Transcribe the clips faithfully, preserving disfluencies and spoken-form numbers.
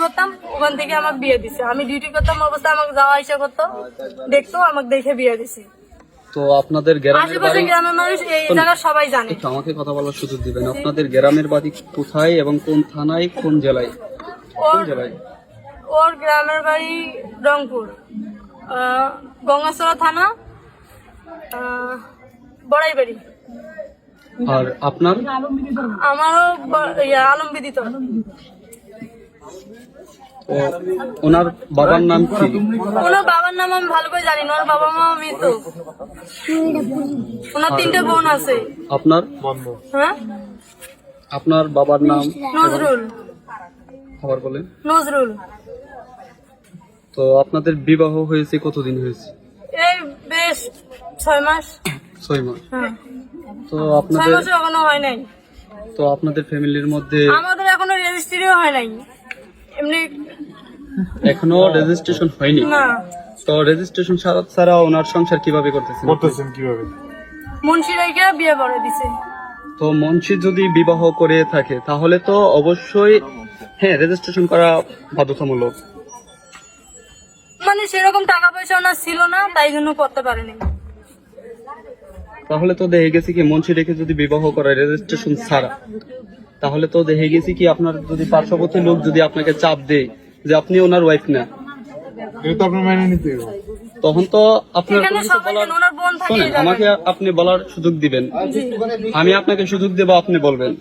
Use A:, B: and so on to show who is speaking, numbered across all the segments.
A: করতাম, ওখান থেকে আমাকে বিয়ে দিছে। আমি ডিউটি করতাম অবস্থা আমাকে যাওয়া আসা করতো, দেখতো, আমাকে দেখে বিয়ে দিছে।
B: তো আপনাদের গ্রামের
A: আশেপাশে
B: বাড়ি,
A: গ্রামের মানুষ এই জায়গা সবাই জানে।
B: একটু আমাকে কথা বলার সুযোগ দিবেন। আপনাদের গ্রামের বাড়ি কোথায় এবং কোন থানায়, কোন জেলায়? কোন
A: ওর
B: জেলায়?
A: ওর গ্রামের বাড়ি রংপুর, আহ, গঙ্গাচড়া থানা, আহ, বড়াইবাড়ি।
B: আর আপনার?
A: আমারও ব- ইয়া, আলমবিদিত।
B: ও, ওনার বাবার নাম কি?
A: ওনার বাবার নাম আমি ভালো করে জানি না, ওর বাবা মা মৃত। ওনার তিনটে বোন আছে।
B: আপনার?
A: হ্যাঁ,
B: আপনার বাবার নাম?
A: নজরুল।
B: আবার বলেন।
A: নজরুল।
B: তো আপনাদের বিবাহ হয়েছে কতদিন হয়েছে?
A: এই বেশ ছয় মাস।
B: ছয় মাস।
A: হ্যাঁ,
B: তো
A: ছয়
B: আপনাদের
A: মাসও এখনো হয় নাই।
B: তো আপনাদের ফ্যামিলির মধ্যে
A: আমাদের এখনো রেজিস্ট্রিও হয় নাই, এমনি
B: এখনো রেজিস্ট্রেশন হয়নি?
A: না।
B: তো রেজিস্ট্রেশন ছাড়া ওনার সংসার কিভাবে করতেছেন?
C: করতেছেন কিভাবে?
A: মুন্সি রেখে বিয়ে করে দিছে।
B: তো মঞ্চে যদি বিবাহ করে থাকে তাহলে তো অবশ্যই হ্যাঁ রেজিস্ট্রেশন করা বাধ্যতামূলক।
A: মানে সেরকম টাকা পয়সা ওনার ছিল না, তাই জন্য করতে পারেনি।
B: তাহলে তো দেখে গেছি কি মঞ্চে রেখে যদি বিবাহ করে রেজিস্ট্রেশন ছাড়া, তাহলে তো দেখে গেছি কি আপনার যদি পার্শ্ববর্তী লোক যদি আপনাকে চাপ দেয় যে আপনি ওনার ওয়াইফ না,
C: এটা তো আপনার মেনে নিতে হবে।
B: তখন তো আপনার
A: এখানে
B: কোনো কিছু
A: সবাই
B: বলার,
A: জানে, ওনার বোন থাকে
B: শোনেন
A: এই জায়গায়।
B: আমাকে আপনি বলার সুযোগ দিবেন, আমি আপনাকে সুযোগ দেবো, আপনি বলবেন।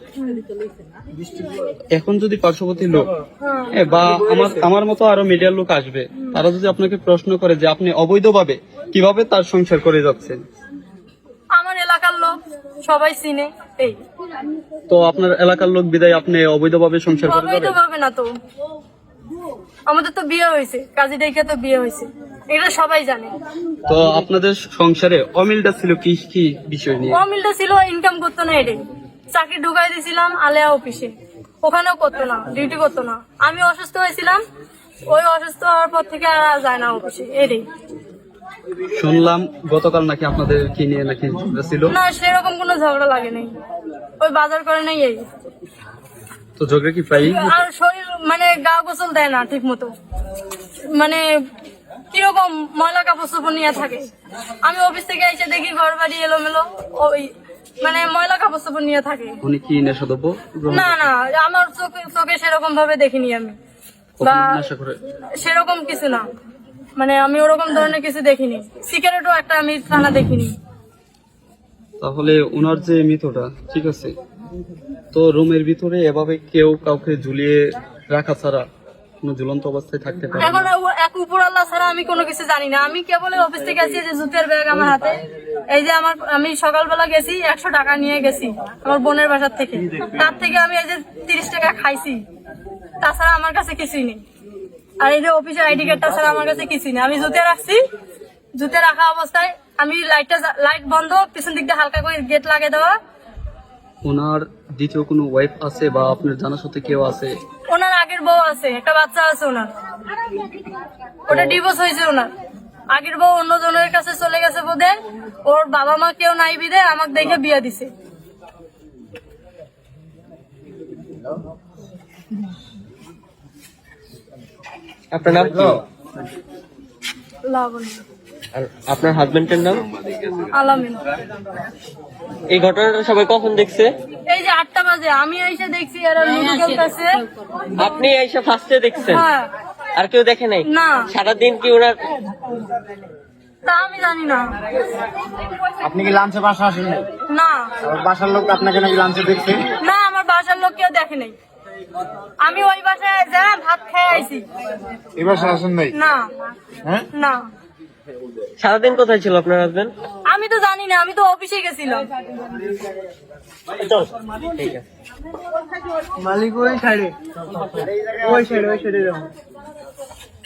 B: এখন যদি পার্শ্ববর্তী লোক এ, বা আমার আমার মতো আরো মিডিয়ার লোক আসবে, তারা যদি আপনাকে প্রশ্ন করে যে আপনি অবৈধভাবে কিভাবে তার সংসার করে যাচ্ছেন,
A: আমার এলাকার লোক সবাই চিনে, এই
B: তো আপনার এলাকার লোক বিদায় আপনি অবৈধভাবে সংসার করে
A: অবৈধ
B: যাবেন?
A: ভাবে না তো, আমাদের তো বিয়ে হয়েছে, কাজী দেখে তো বিয়ে হয়েছে, এটা সবাই জানে।
B: তো আপনাদের সংসারে অমিলটা ছিল কি কি বিষয় নিয়ে?
A: অমিলটা ছিল ইনকাম করতো না, এটাই। চাকরি ঢুকাই দিয়েছিলাম আলেয়া অফিসে, ওখানেও করতো না, ডিউটি করতো না। আমি অসুস্থ হয়েছিলাম, ওই অসুস্থ হওয়ার পর থেকে আর যায় না অফিসে, এটাই।
B: শুনলাম গতকাল নাকি আপনাদের কি নিয়ে নাকি ঝগড়া ছিল?
A: না, সেরকম কোনো ঝগড়া লাগে নাই, ওই বাজার করে নাই, এই।
B: তো ঝগড়া কি প্রায়ই?
A: আর শরীর মানে গা গোসল দেয় না ঠিক মতো, মানে কিরকম ময়লা কাপড় চোপড় নিয়ে থাকে। আমি অফিস থেকে এসে দেখি ঘর বাড়ি এলোমেলো, ওই মানে ময়লা কাপড় চোপড় নিয়ে থাকে।
B: উনি কি নেশাদ্রব্য গ্রহণ
A: না না, আমার চোখে চোখে সেরকম ভাবে দেখিনি আমি, বা
B: কখনো নেশা করে?
A: সেরকম কিছু না, মানে আমি ওরকম ধরনের কিছু দেখিনি। সিগারেটও একটা আমি খানা দেখিনি।
B: তাহলে ওনার যে মৃতটা ঠিক আছে, তো রুমের ভিতরে এভাবে কেউ কাউকে ঝুলিয়ে রাখা ছাড়া কোনো ঝুলন্ত অবস্থায় থাকতে পারে
A: এখন
B: না?
A: ও- এক উপর আল্লাহ ছাড়া আমি কোনো কিছু জানি না। আমি কেবল অফিস থেকে আছি, এই যে জুতের ব্যাগ আমার হাতে, এই যে আমার, আমি সকালবেলা গেছি একশো টাকা নিয়ে গেছি আমার বোনের বাসার থেকে, তার থেকে আমি এই যে তিরিশ টাকা খাইছি, তাছাড়া আমার কাছে কিছুই নেই। আর এই যে অফিসের আইডি কার্ডটা ছাড়া আমার কাছে কিছুই নেই। আমি জুতে রাখছি, জুতে রাখা অবস্থায় আমি লাইটটা লাইট বন্ধ, পিছন দিক দিয়ে হালকা করে গেট লাগিয়ে দেওয়া।
B: ওনার দ্বিতীয় কোনো ওয়াইফ আছে বা আপনার জানার সাথে কেউ আছে?
A: ওনার আগের বউ আছে, একটা বাচ্চা আছে ওনার, ওটা ডিভোর্স হয়েছে ওনার। আগের বউ অন্য জনের কাছে চলে গেছে বোধে, ওর বাবা মা কেউ নাই বিদে আমাকে দেখে বিয়ে দিছে।
D: আপনার নাম কি?
A: লাবণী।
D: আর আপনার হাজবেন্ডের নাম?
A: আলামিন।
D: এই ঘটনাটা সবাই কখন দেখছে?
A: এই যে আটটা বাজে আমি এসে দেখছি এরা লুডো খেলতেছে।
D: আপনি এসে ফার্স্টে দেখছেন?
A: হ্যাঁ।
D: আর কেউ দেখে নাই?
A: না।
D: সারাদিন কি ওনার
A: তা আমি জানি না।
C: আপনি কি লাঞ্চে বাসা আসেন নাই?
A: না
C: আর বাসার লোক আপনাকে নাকি লাঞ্চে দেখছে?
A: না, আমার বাসার লোক কেউ দেখে নাই। আমি ওই বাসায় যা ভাত খেয়ে আইছি।
C: এই বাসা আসেন নাই?
A: না
C: হ্যাঁ?
A: না,
D: সারাদিন কোথায় ছিল আপনার হাজবেন্ড?
A: আমি তো জানি না, আমি তো অফিসে গেছিলাম।
D: ঠিক আছে।
E: মালিক ওই সাইডে, ওই সাইডে, ওই সাইডে যাও।